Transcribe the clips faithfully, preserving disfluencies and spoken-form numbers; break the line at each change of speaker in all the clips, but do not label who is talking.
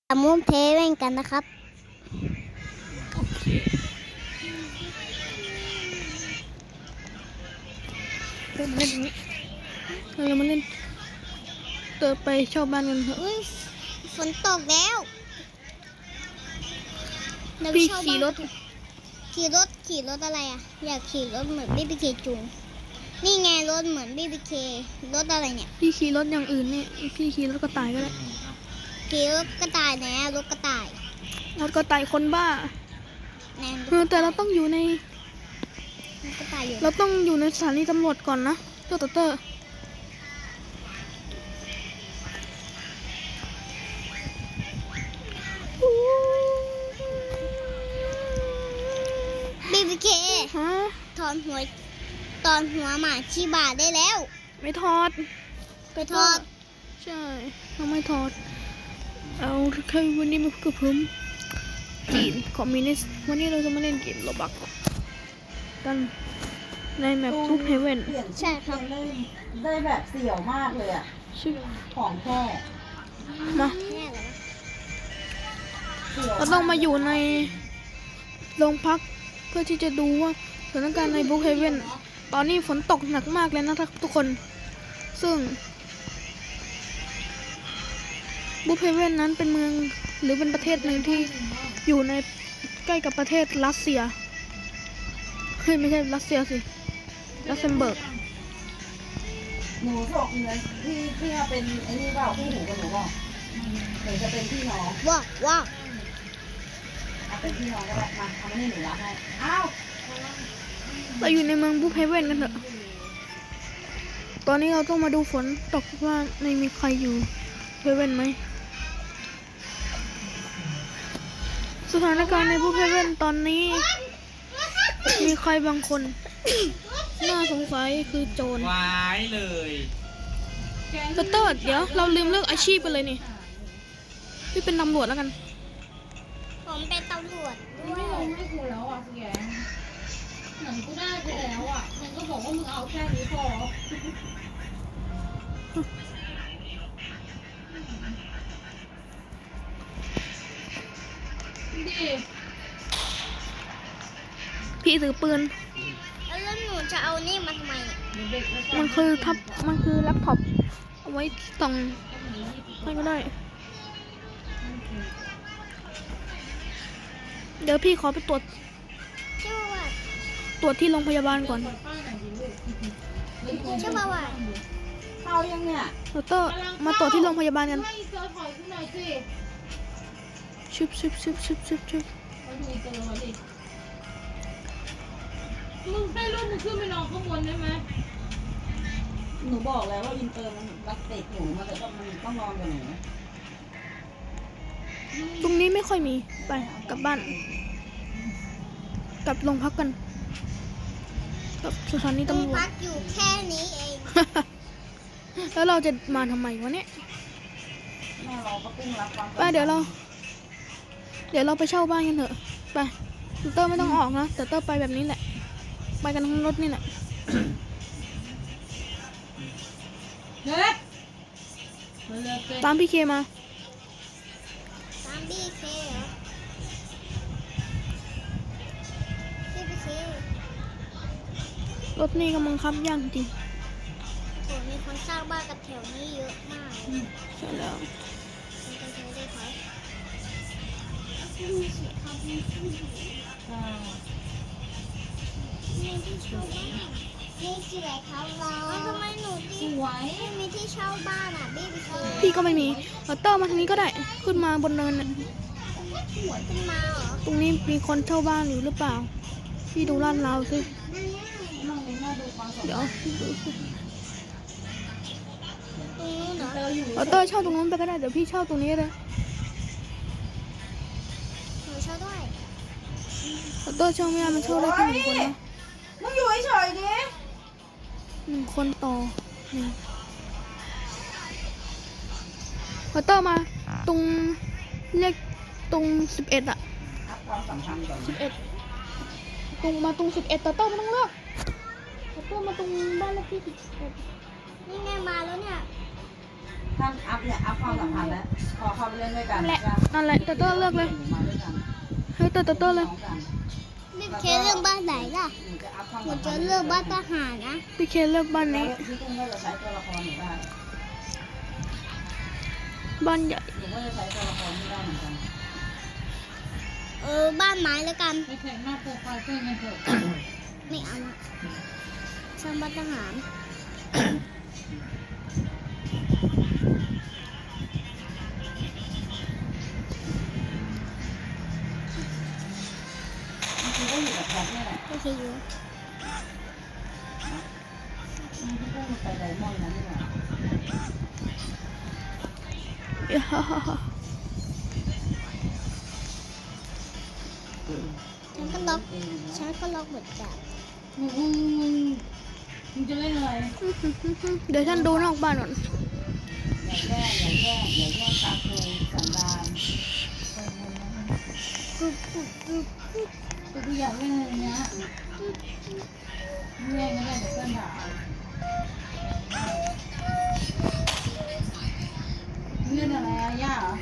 มุมเทเว่นกันนะครับ
โอเคเดินมาเล่นตรงนี้เรามาเล่นเติมไปชอบบ้านกันเถอะ
อุ้ยฝนตกแล้วเดี๋ยว
พี่
เช่า
ขี่รถ
บ้านขี่รถขี่รถอะไรอ่ะอยากขี่รถเหมือนบีบีเคจูงนี่ไงรถเหมือนบีบีเครถอะไรเนี่ย
พี่ขี่รถอย่างอื่นนี่พี่ขี่รถกระต่ายก็ได้
ขี่รถกระต่ายนะรถกระต่าย
รถกระต่ายคนบ้า
แนน
เออแต่เราต้องอยู่ใน
รถกระต่ายอยู่
เราต้องอยู่ในสถานีตำรวจก่อนนะเจ้าเตอร์เตอร์
บีบีเค
ฮะ
ถอนหัวตอนหัวหมาชีบาได้แล้ว
ไม่ถอด
ไปทอด
ใช่เราไม่ถอดเอาแค่วันนี้มากับผมจีนคอมมิวนิสต์วันนี้เราจะมาเล่นเกมโรบักกันในแมปทูบเฮเว่น
ใช่ครับ
ได้ได้แบบเสี่ยวมากเลยอ่ะ
ชื่อ
ของแค่
มา
แน่เลย
สี่ยว
เราต้องมาอยู่ในโรงพักเพื่อที่จะดูว่าสถานการณ์ในบุ๊กเฮเว่นตอนนี้ฝนตกหนักมากเลยนะทุกคนซึ่งบุ๊กเฮเว่นนั้นเป็นเมืองหรือเป็นประเทศหนึ่งที่อยู่ในใกล้กับประเทศรัสเซียเฮ้ยไม่ใช่รัสเซียสิลักเซมเบิร์ก
หนูบอกเงินที่ที่มาเป็นไอ้นี่เปล่าคู่หูกับหนูบอกหรือจะเป็นพี่น้อง
ว้าวว้าว
เอาเป็นพี่น้องก็ได้มาเอามาให้หนูรับให้อ้าว
เราอยู่ในเมืองบุ๊กเฮเว่นกันเถอะตอนนี้เราต้องมาดูฝนตกว่าไม่มีใครอยู่เฮเว่นไหมสถานการณ์ในบุ๊กเฮเว่นตอนนี้มีใครบางคน น่าสงสัยคือโจร
วายเลย
เตอร์เตอร์เดี๋ยวเราลืมเลือกอาชีพไปเลยนี่พี่เป็นตำรวจแล้วกัน
ผมเป็นตำรวจด้วย
ให้กูแล้วอ่ะพี่แกเหมือนกูได้ไปแล้วอ่ะมึงก็บอกว่ามึงเอาแค่นี้พอดิ
พี่ถือปืน
แล้วหนูจะเอานี่มาทำไมเนี่ย
มันคือทับมันคือแล็ปท็อปเอาไว้ส่องให้ก็ได้เดี๋ยวพี่ขอไปตรวจ
ชื่อว่า
ตรวจที่โรงพยาบาลก่อน
ชื่อว่าว่า
เข้ายังเนี่ย
เตอร์เตอร์มาตรวจที่โรงพยาบาลกัน
ให้เจอถอยขึ้นหน่อยสิ
ชึบชึบชึบชึบชึบชึบ
มาดูเจอมาดิมึงให้ลูกมึงขึ้นไปนอนข้างบนได้ไหม
หนูบอกแล้วว่าอินเตอร์มันรักเด็กหนูมันจะต้องมันต้องนอนกับหนู
ตรงนี้ไม่ค่อยมีไปกลับบ้านกลับโรงพักกันกลับสถานี
ตรง
ตำรวจ
พักอยู่แค่นี้เอง
แล้วเราจะมาทำไมวะเนี่ย
แม่เราก็ปิ้งรับความ
ไปเดี๋ยวเรา เดี๋ยวเราไปเช่าบ้านกันเถอะไปเตอร์ไม่ต้องออกนะแต่เตอร์ไปแบบนี้แหละไปกันทั้งรถนี่แหละ
เด็กมาเลยเด็ก
ตามพี่เคมา
ตามบีเคเหรอบีบีเค
รถนี่กำลังคับย่างจริง
โหมีคนสร้างบ้านกับแถวนี้เยอะมาก
ใช่แล้ว
มันจะใช้ได้ไหมมีที่เช่าบ้านนี่คืออะไรครับเราทำไมหนูดี
สวย
ไม่มีที่เช่าบ้านอ่ะบีบีเค
พี่ก็ไม่มีเอาเตอร์มาทางนี้ก็ได้ขึ้นมาบนเนินน่ะ
ขึ้นมาเหรอ
ตรงนี้มีคนเช่าบ้านอยู่หรือเปล่าพี่ดูลาดราวสิ
น้องเองน่าดูความสน
เดี๋ยว
ตรงนู้นเหรอ
เตอร์อยู่
เอาเตอร์เช่าตรงนู้นไปก็ได้เดี๋ยวพี่เช่าตรงนี้เลย
หนูเช่าด้วย
เอาเตอร์เช่าไม่ได้มันเช่าได้แค่หนึ่งคนนะ
มึงอยู่เฉยๆดิ
หนึ่งคนต่อหนึ่งเอาเตอร์มาตรงเลขตรงสิบเอ็ดอะ
รับความสัมพันธ์ก่อน
สิบเอ็ดตรงมาตรงสิบเอ็ดต่อเตอร์ไม่ต้องเลือกเอาเตอร์มาตรงบ้านเลขที่สิบเอ็ด
นี่ไงมาแล้วเนี่ย
ม
ท่านอัพเนี่ยอัพความสัมพันธ์แล้วพอเข้าไปเล่นด้วยกัน
นั่นแหละนั่นแหละเตอร์เตอร์เลือกเลย
มาด้วยกัน
ให้เตอร์เตอร์เตอร์เลย
น้องกัน
พี่เคเลือกบ้านไหนล่ะ
หนูจะอัพความ
หนู
สัมพั
จะ
นธ์
เลือกบ้านทหารนะ
พี่เคเลือกบ้าน
แล้ว
นี้
พี่ตุ้มก็จะใช้ตัวละครหนูได้
บ้านใหญ่
หนูก็จะใช้ตัวละครที่ได้เหมือนกัน
เออบ้านไม้แล้วกัน
ไปแข่งหน้าโปรไฟล์เพื่อนกันเถอะ
ไม่เอาละสร้างบ้านทหาร
จริงๆก็อยู่กับแพทเนี่ยแหละ
โอเคอยู่
พี่ตุ้มไปไดมอนด์นั้นนี่แหละ
ฉันก็ล็อกฉันก็ล็อกเหมือนกัน
มึงมึงมึงมึงจะเล่นอะไร
เดี๋ยวฉันดูนอกบ้านก่อน
อย่าแย่อย่าแย่อย่าแย่ตาคูสันดาน
กรุบกรุบกรุบกรุบ
แต่กูอยากเล่นอะไรเนี้ยไม่เล่นก็ได้เดี๋ยวเพื่อนด่าเล่นอะไรอะย่าเหรอ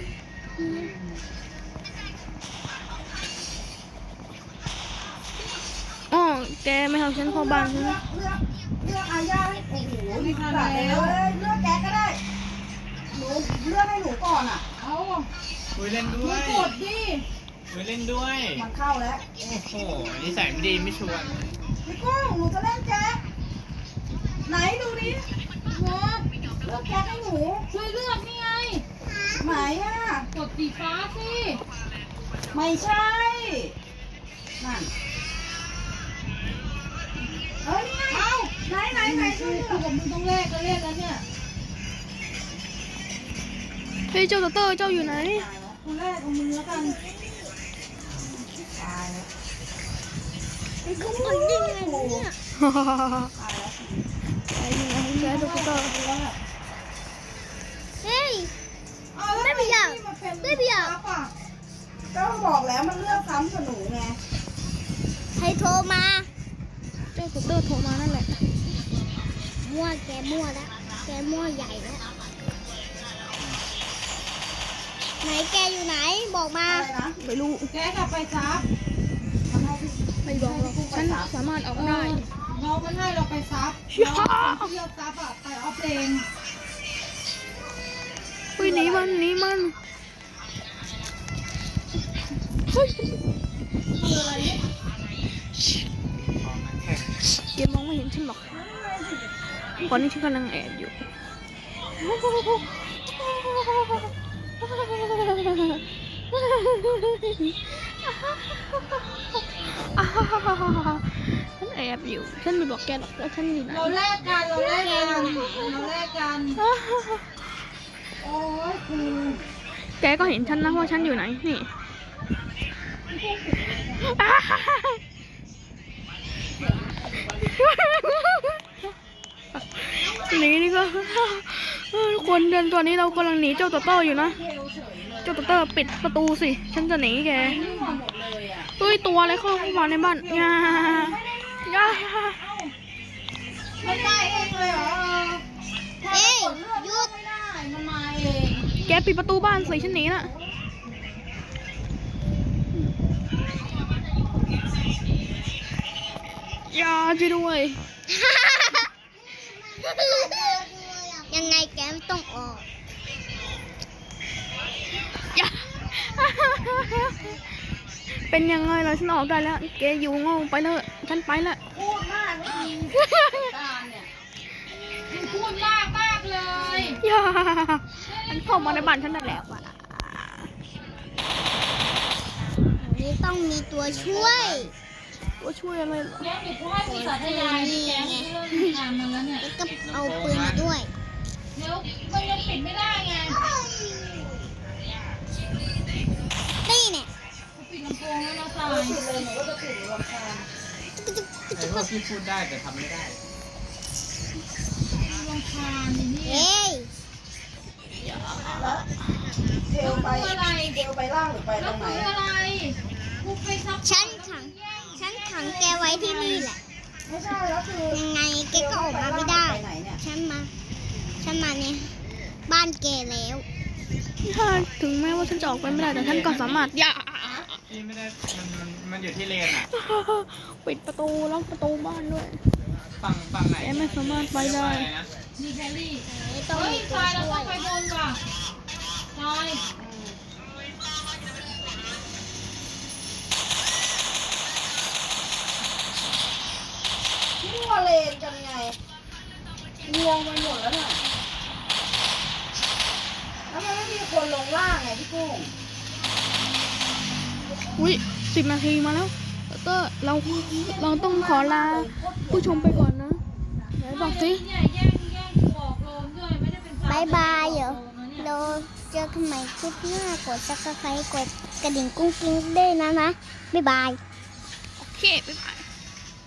อ๋อแกไม่เอาฉันเข้าบ้านใช่ไหม
เลือกเลือกเลือกอาญาให้โอ้โหนี่ขนาดแล้วเลือกแกก็ได้หนูเลือกให้หนูก่อนอ่ะ
เอา
คุยเล่นด้
มึ
ว
ง
ย
กดดิ
คุยเล่นด้วย
มันเข้าแล้ว
โอ้โหนิสัยไม่ดีไม่ชวน
พี่กุ้งหนูจะเล่นแจ๊คไหนดูดิ
เนาะ
เลือกแจ๊คให้หนู
ช่วยเลือกนี่ไง
ไหนอ่ะ
กดสีฟ้าสิ
ไม่ใช่นั่นเอ้ยนี่ไง
เอา
ไหนไหนไหนช่วย
กูกับมึงต้องแลกกันเล่นแล้วเนี่ย
เฮ้ยเจ้าเตอร์เตอร์เจ้าอยู่ไหน
คุณแรกเอามือแล้วกันตายแล้ว
ไอ้กุ้งมันยังไงเนี่ย
ตายแล้ว
ไอ้ยังไงแกเจ้าเตอร์เตอร์
เฮ้ย
อ้าวแล้ว
ไม่อยาก
ทำน
ไม่อยาก
ปั๊บอะก็บอกแล้วมันเลือกซ้ำกับหนูไง
ใครโทรมา
เจ้าเตอร์เตอร์โทรมานั่นแหละ
มั่วแกมั่วแล้วแกมั่วใหญ่แล้วไหนแกอยู่ไหนบอกมา
อะไรนะ
ไม่รู้
แกกลับไปซับ
มันให้พี่
ไม่บอกหรอกฉันสามารถออกได้
น้องมันให้เราไปซับ
เชี่ย
เราเที่ยวซับอะไปออฟเลน
เฮ้ยหนีมันหนีมันเฮ้ย
คืออะไรเนี่ย
แกมองไม่เห็นฉันหรอกตอนนี้ฉันกำลังแอบอยู่ฉันแอบอยู่ฉันไม่บอกแกหรอกว่าฉันอยู่ไหน
เราแลกกันเราแลกกันเราแลกกันโอ้ยกู
แกก็เห็นฉันนะว่าฉันอยู่ไหนนี่หนีนี่ก็ทุกคนเดินตอนนี้เรากำลังหนีเจ้าตัวโต้อยู่นะ
เทลเฉยเลย
เจ้าตัวโต้ปิดประตูสิฉันจะหนีแก
มั่วหมดเลยอะ
เฮ้ยตัวอะไรเข้ามาในบ้านยา ยา
ไม่ได้เองเลยเหรอ
เอ้ย
กดเลือก
หยุด
ไม่ได้มันมาเอง
แกปิดประตูบ้านสิฉันหนีน่ะอยาช่วยด้วย
ยังไงแกไม่ต้องออก
อย่า เป็นยังไงล่ะฉันออกได้แล้วแกอยู่โง่ไปเลยฉันไปละ
พูดมากไม่ดีตาเนี่ย
มึงพูดมากมากเลย
อย่ามันเข้ามาในบ้านฉันได้แล้วอะ
อันนี้ต้องมีตัวช่วย
ว่าช่วยอะไรเหรอ
แกเดี๋ยวกูให้ปีศาจยายแกไม่เริ่มงานมันแล้วเนี่ย
แล้วก็เอาปืนมาด้วย
เดี๋ยวมันยังปิดไม่ได้ไง
นี่เนี่ย
กูปิดลำโพงแล้วนะสาย
ปิดเลยหนูก็จะปิดหนูรำคาญ
ไอ้พวกที่พูดได้แต่ทำไม่ได้
ลำคาญนี่นี่
เฮ้ย
แล้วเทลไปเทลไปล่างหรือไปต
แล้
ร
ว
งไหน
คืออะไรกูไปซับ
ฉันขัง ฉันขังแกไว้ที่นี่แหละ
ไม่ใช่แล้วคือ
ยังไงแกก็ออกมาไม่ได้
ไปไหนเนี่ย
ฉันมา ฉันมาเนี่ยบ้านแกแล้ว
ถ้าถึงแม้ว่าฉันจะออกไปไม่ได้แต่ฉันก็สามารถอย่า
พี่ไม่ได้มันมันมันอยู่ที่เลนอ่ะ
ปิดประตูล็อกประตูบ้านด้วย
ฝั่งฝั่งไหน
แกไม่สามารถไปได้
เรียกว่าอะรนะ
มีแคลรี่
ไม่ต้อง
เฮ้ย
มีตั
ท
ว
รายเรา
ช่ว
ต้อย งไปบนว่ะทราย
มั่วเลนกันไงงวงไปหมดแล้วเนี่ยแล้วมันไม่มีคนลงล่างไงพี่กุ้ง
อุ้ยสิบนาทีมาแล้วแล้วก็เราเราต้องขอลาผู้ชมไปก่อนนะไหนบอกสิ
เนี่ยแย่งแย่งกูออกโรงด้วยไม่ได้เป็นทร
บายบายเหรอ
โรงนะเนี่ย
เราเจอกันใหม่คลิปหน้ากดซับสไครต์กดกระดิ่งกุ้งกิ้งด้วยนะนะ บ๊ายบาย
โอเคบ๊ายบาย